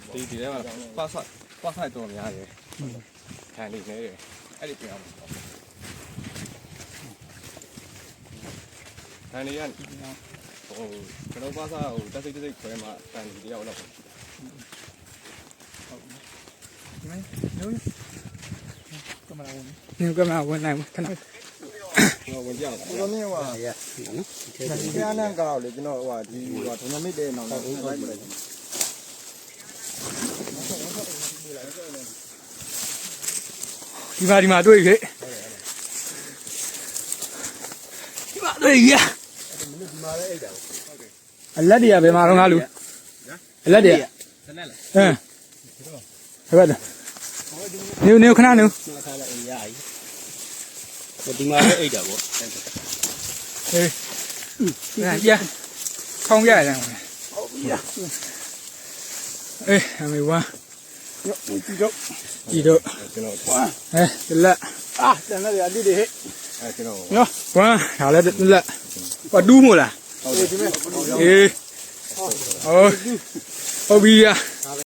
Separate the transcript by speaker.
Speaker 1: ဒီထဲမှာပတ်ဆိုင်တော်များတယ်ခံနေနေတယ်အဲ့ဒီပြန်အောင်ခံနေရဟိုကျွန်တော်ပတ်ဆိုင်ဟိုတက်စိတ်ခွဲမှာခံနေတယောက်တော့ဟုတ်
Speaker 2: မင်းညကမလာဝင်နိုင်ခဏ
Speaker 1: တော့ဝင်ပြအောင်
Speaker 3: ကိုလိုမြင့်ဟိုရနော်ဒီကနန်းကောက်လေကျွန်တော်ဟိုဒီဟိုဒုံမစ်တဲ့နောင်တော့လိုက်လိုက်
Speaker 2: ဒီမှာတွေ့ပြီဒီမှာတွေ့ပြီ
Speaker 3: ဒီမှာလည်းအိတ်တာ
Speaker 2: အလက်တွေကဘယ်မှာတော့ငါလူအလက်တွေက
Speaker 3: ဆက်လက်လား
Speaker 2: ဟုတ်တယ်နေခဏနေ
Speaker 3: ခါလည်းအိမ်ရကြီးဒီမှာလည်းအိတ်တာပေါ့
Speaker 2: ဟေးပြခေါင်းပြရတယ်
Speaker 3: ဟုတ်ပြီ
Speaker 2: အေးအမေဝါ
Speaker 3: ကြည့်တော့
Speaker 1: ကျွန်တော်
Speaker 2: ဒီလက်
Speaker 3: တန်လည်းအတိတွေဟဲ့
Speaker 1: ကျွန်တော်
Speaker 2: နော်ဝါဒါလည်းလက်ဘာဒူးမို့လား
Speaker 3: ဟုတ်တယ်ဒီမဲ့
Speaker 2: အေးဟုတ်ပြီ